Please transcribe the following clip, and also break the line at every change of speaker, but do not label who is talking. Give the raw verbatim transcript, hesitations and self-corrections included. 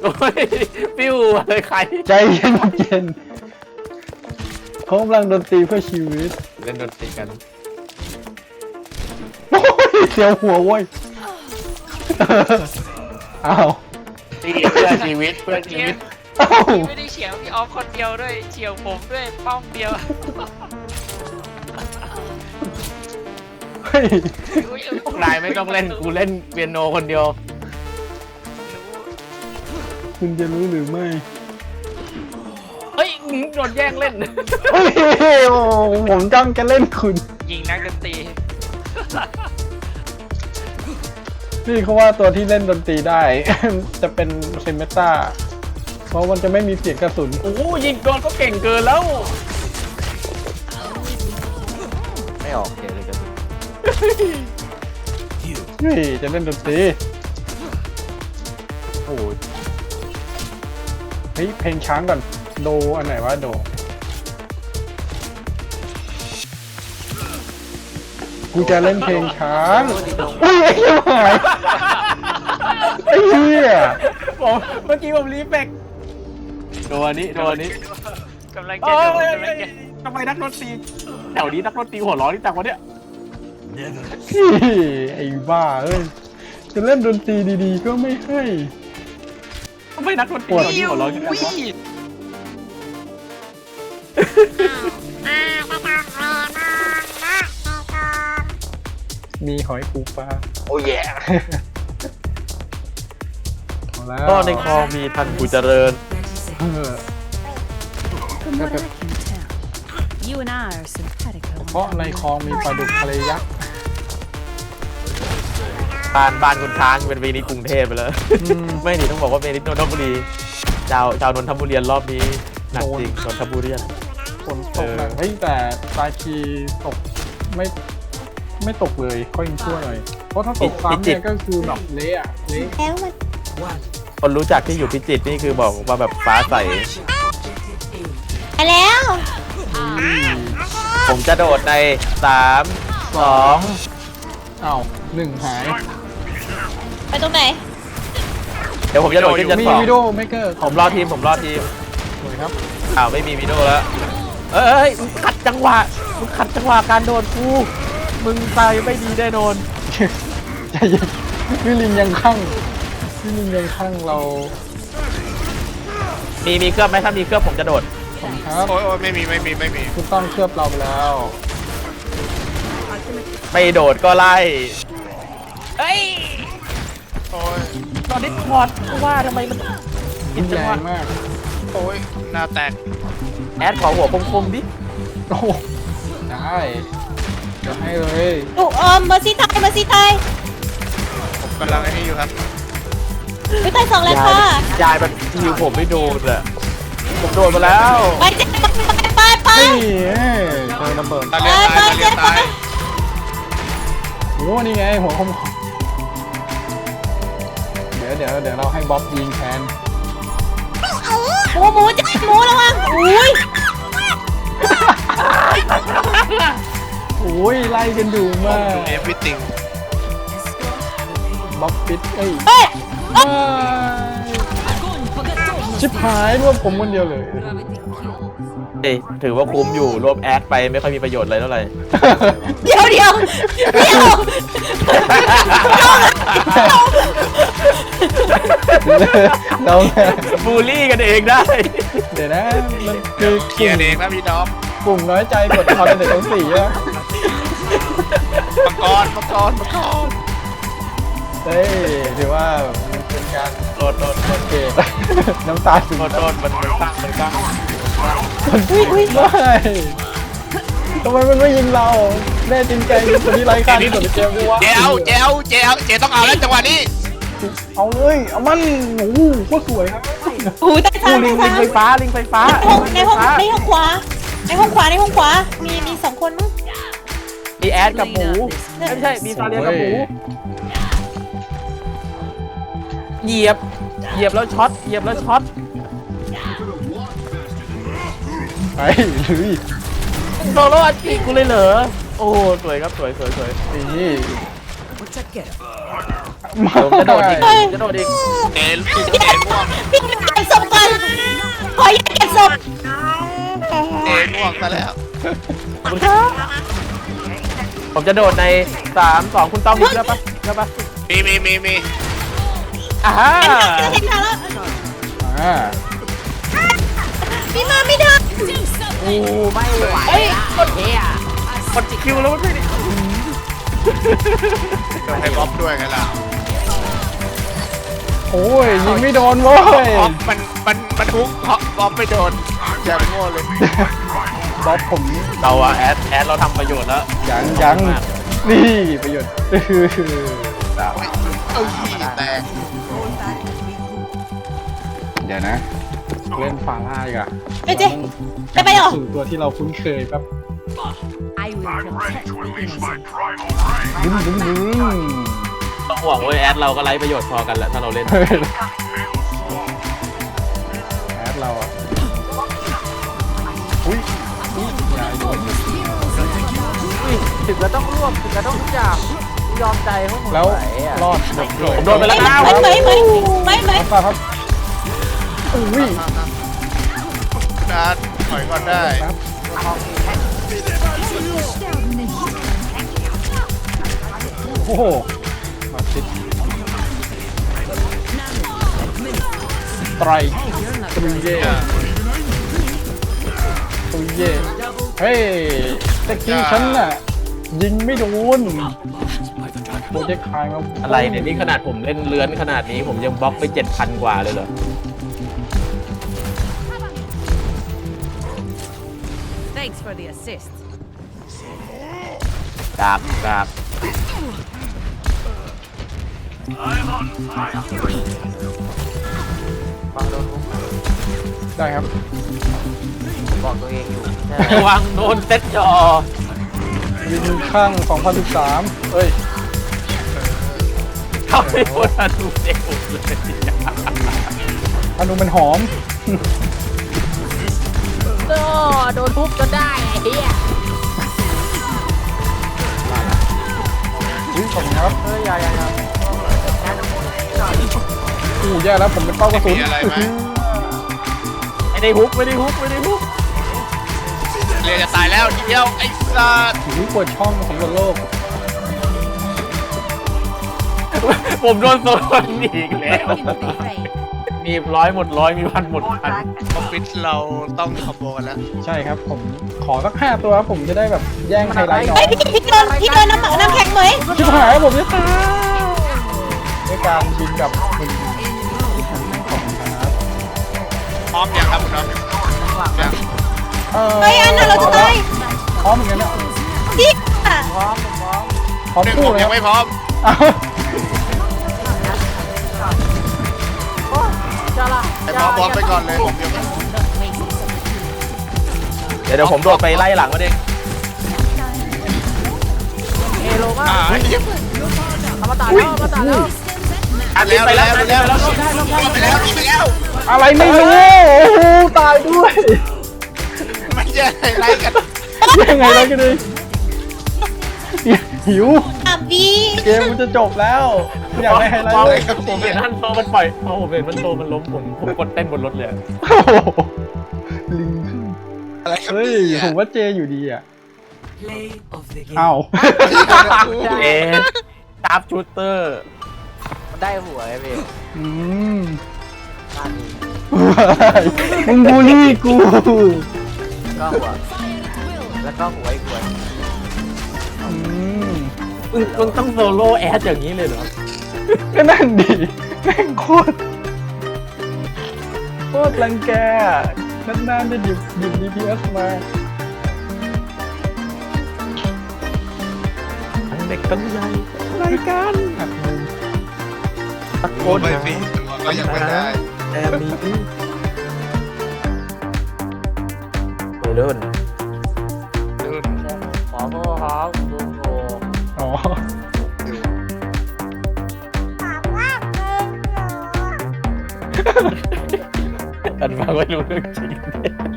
อ้ยปิ้วเลยใคร
ใจเย็นเย็นเขากำลังดนตรีเพื่อชีวิต
เล่นดนตรีกัน
โอ้ยเสียวหัวเว้ยอ้าว
ตีเพื่อชีวิตเพื่อชีวิต
อ้าว
ไม่ได้เฉียวพี่ออฟคนเดียวด้วยเฉียวผมด้วยป้อมเดียว
เฮ้ย
พวกนายไม่ต้องเล่นกูเล่นเปียโนคนเดียว
คุณจะรู้หรือไม่
เฮ้ยโดนแย่งเล่น
เฮ้ยโอ้ผมจ้องจะเล่นคุณ
ยิงนักดนตรี
นี่เขาว่าตัวที่เล่นดนตรีได้ จะเป็นเซมเมตาเพราะมันจะไม่มีเสียงกระสุน
โอ้ยิงโดนก็เก่งเกินแล้วไม่ออกเสียงเลยกระสุน
เฮ้ยจะเล่นดนตรี
โอ้ย
เฮ้ยเพลงช้างก่อนโดอันไหนวะโดกูจะเล่นเพลงช้างอุ้ยไอ้เหี้ยหายไอ้เหี้ย
ผมเมื่อกี้ผมรีเฟกโดนนี้โดนนี้
กำลังจะโดนกำลังจะ
ทำไมนักดนตรีแถวนี้นักดนตรีหัวร้อนที่จังวะเนี่ย
ไอ้บ้าเอ้ยจะเล่นดนตรีดีๆก็ไม่ให้
ทำไมนักดนตรีหัวร้อนที่จังวะ
มีหอยปูปลา
โอ้ย
ก็
ในคลองมีทันผู้เจริญ
เพราะในคลองมีปลาดุกทะเลยักษ์
บ้านบ้านคุณช้างเป็นเวนิสกรุงเทพไปแล้วไม่หนีต้องบอกว่าเวนิสนนทบุรีชาวชาวนนทบุรีรอบนี้หนักจริงนนทบุรี
ฝนตกหนักเฮ้ยแต่ตาคีตกไม่ไม่ตกเลยก็ยังชั่วหน่อยเพราะถ้าตกซ้ำเนี่ยก็คือแบบเละอะเละ
แล้วมัน
คนรู้จักที่อยู่พิจิตรนี่คือบอกว่าแบบฟ้าใส
ไปแล้ว
ผมจะโดดในสามสอง
อ้าวหนึ่งหาย
ไปตรงไหน
เดี๋ยวผมจะโดดขึ้นชั้นสอง
มีวิดีโอเมกเกอร์
ผมรอทีมผมรอทีม
สวยครับ
อ้าวไม่มีวิดีโอแล้วเอ้ยมึงขัดจังหวะมึงขัดจังหวะการโดนกูมึงตายไม่ดีแน่นอน
ใจเย็นพี่ลินยังข้างพี่ลินยังข้างเรา
มีมีเครื่องไหมถ้ามีเครื่องผมจะโดด
ครับ
โอ้ยไม่มีไม่มีไม่มี
คุณต้องเคลือบเราไปแล้ว
ไม่โดดก็ไล่เฮ้ย
โอ้ย
ตอนนี้พอดว่าทำไมมัน
อินแรงมาก
โอ้ยหน้าแตก
แอดขอหัวคมๆดิ
โอ้ได้จะให้เลย
ลูกอมเมอร์ซี่ตายเมอร์ซี่ตาย
ผมกำลังไอ้นี่อยู่ครับ
ไม่ตายสองแล้วค่ะ
ยายมันฮิวผมไม่โดนอะผมโดนมาแล้ว
ไปเจ็บไปไป
นี่เจอระเบิด
ตาเลียตายตาเลียตาย
โอ้นี่ไงหัวคมเดี๋ยวเดี๋ยวเดี๋ยวเราให้บ๊อบยิงแทน
หมูหมูจะหมูแล้วมั้งอุ้ย
โอ้ยไล่กันดูมาก
เอฟวิติง
บ๊อบปิดเอ้ย
เฮ้ย
ชิบหายรวมผมคนเดียวเลย
เอ้ยถือว่าคุ้มอยู่รวมแอดไปไม่ค่อยมีประโยชน์อะไรเท่าไหร่
เดี๋ยวเดี๋ยวเดี๋ยว
เรา
บูลลี่กันเองได้
เดี๋ยวนะมันคือ
เกียร์เองนะพี่น้อง
กลุ่มน้อยใจกดคอนเทนต์ทั้งสี่อะ
มังกรมังกรมังกร
เฮ้ยถือว่ามันเป็นการ
โดนโดนโดน
เกตน้ำตาถึง
โดนโดนมันมันตั้งมันตั้ง
มันไม่ทำไมมันไม่ยิงเราแน่จริงใจคนที่ไร้ค่าที่สุดในเกมกูวะ
เจ้าเจ้าเจ้าเจ้าต้องเอาแล้วจังหวะนี้
เอาเลยเอามันโอ้โหโคตรสวยครับ
โอ้ยแต่
ลิงลิงไฟฟ้าลิงไฟฟ้า
ในห้องในห้องในห้องขวาในห้องขวาในห้องขวามีมีสองคนมั้ง
มีแอดกับหมูไม่ใช่มีซาเลียกับหมูเหยียบเหยียบแล้วช็อตเหยียบแล้วช็อต
ไปลุย
โซโล่อัดจีกูเลยเหรอโอ้สวยครับสวยสวยสวย
นี่
ผมจะโดดอีกจะโดดอีก
เอ็นเอ็นม่วง
พี่เก็บศพก่อนขออย่าเก็บศพ
เอ็นม่วงซะแล้ว
ขอบคุณครับผมจะโดดในสามสองคุณต้อมมีเชื่อปะเชื่อปะ
มีมีมีมี
อ่าฮะ
เห็นทางแล้ว
อ่า
พี่มาไม่ได้
กูไม่ไหวเฮ้ยกดเฮียกดคิวแล้วมันไม่ได้
ให้บ๊อบด้วยไงล่ะ
โอ้ยยิงไม่โดนเว้ย
บ๊อบมันมันมันฮุกเพราะบ๊อบไม่โดนแจมโง่เลย
บ๊อบผม
เราอะแอดแอดเราทำประโยชน์แล้ว
ยังยังนี่ประโยชน์คือ
เอ้ยแตก
เดี๋ยวนะ เล่นฟาร่าอีกอะ
ไปเจ๊ไปไปเหรอ
สู่ตัวที่เราคุ้นเคยแป๊บ
I will protect the innocent.
ดึงดึงดึง
ต้องห่วงเว้ยแอดเราก็ไร้ประโยชน์พอกันแหละถ้าเราเล่น
เฮ้ยแอดเราอะอุ้ยอุ้ยอย่าอยู่
ถึงเราต้องร่วมถึงเราต้องทุกอย่างยอมใจพวกมึง
แล้วรอดหมดเลย
ผมโดนไปแล้วนะ
ไหมไหมไหมไหมไหม
ครับครับอุ้ย
นะถอยก่อนได้
โอ้โหมาติดไตรตุยเย่ตุยเย่เฮ้ยตะกี้ฉันน่ะยิงไม่โดนโปรเจกต์คายมา
อะไรเนี่ยนี่ขนาดผมเล่นเลื้อนขนาดนี้ผมยังบล็อกไปเจ็ดพันกว่าเลยเหรอ
Thanks for the assist.
กราบกราบ
ได้ครับ
บอกตัวเองอยู่ระวังโดนเซ็ตจอ
วินข้างสองพันสิบสามเอ้ย
เข้าไปโดนทันทุเด็กเลย
อนุมันหอม
ก็โดนทุบจนได้ไอ้เหี้ย
อุ้ยขอบคุณครับ
เฮ้ยอย่าอย่าอย่า
อู้แย่แล้วผมเป็นเป้ากระสุน
มีอะไรไหม
ไม่ได้ฮุกไม่ได้ฮุกไม่ได้ฮุก
เรียนจะตายแล้วทีเดียวไอ้สัส
ถือปวดช่องของบนโลก
ผมโดนโซนอีกแล้ว มีร้อยหมดร้อยมีพันหมดพัน
ออฟฟิศเราต้องคอมโบกันแล้ว
ใช่ครับผมขอสักห้าตัวครับผมจะได้แบบแย่งไฮไลท์น้อ
เฮ้ย
ง
พี่พี่โดนพี่โดนน้ำหมักน้ำแข็งไหม
ชิบหายผมจะตายด้วยการบินกับคุณของครับ
พร้อมยังครับคุณน้องยัง
เฮ้ยอันน่ะเราจะตาย
พร้อมเหมือนกันนะ
ดิอ่ะ
พร้อม
หนึ่ง
คู่
ผม
เลย
ยังไม่พร้อม
อ้าว
ไอ้พร้อมพร้อมไปก่อนเลยผมยังไม่
เดี๋ยวเดี๋ยวผมโดดไปไล่หลังมาเอง
อ่า
อุ้ย
อันนี้ไปแล้วไปแล้วไปแล้ว
ไปแล้วไปแล้ว
อะไรไม่รู้โอ้โหตายด้วย
ไม่ใช่ไรกัน
ยังไงแล้วกันเลยหิว
อ่ะบี
เกมมันจะจบแล้วอยากได้ไฮไลท์
มอง
เลย
ผมเห็นท่านโซมันปล่อยพอผมเห็นมันโซมันล้มผมผมกดเต้นบนรถเลย
โอ้โหลิง
อะไรครับ
เฮ้ย
เนี่ย
ผมว่าเจอยู่ดีอ่ะอ้าว
เอ๊ะตาร์ฟชูเตอร์มันได้หัวไอ้พี่
อืมมึงบูลลี่กู
ก็หัวแล้วก็หัวอีกหัว
อืม
มึงมึงต้องโซโล่แอดอย่างนี้เลยเหรอ
ก็นั่นดิแม่งโคตรโคตรรังแกนานๆจะหยิบหยิบ ดี พี เอส มา
ทั้งเด็กทั้งใหญ่รายการ
หักมุม
ตะโก
โอ้
น
ไม่
หา
มีตัวก็ยังไม่ได้
แต่มีโอ้เลื่น
รุ่น
ขอโทษครับลุงโง่
อ๋อ
อันฟังไม่รู้เรื่องจริง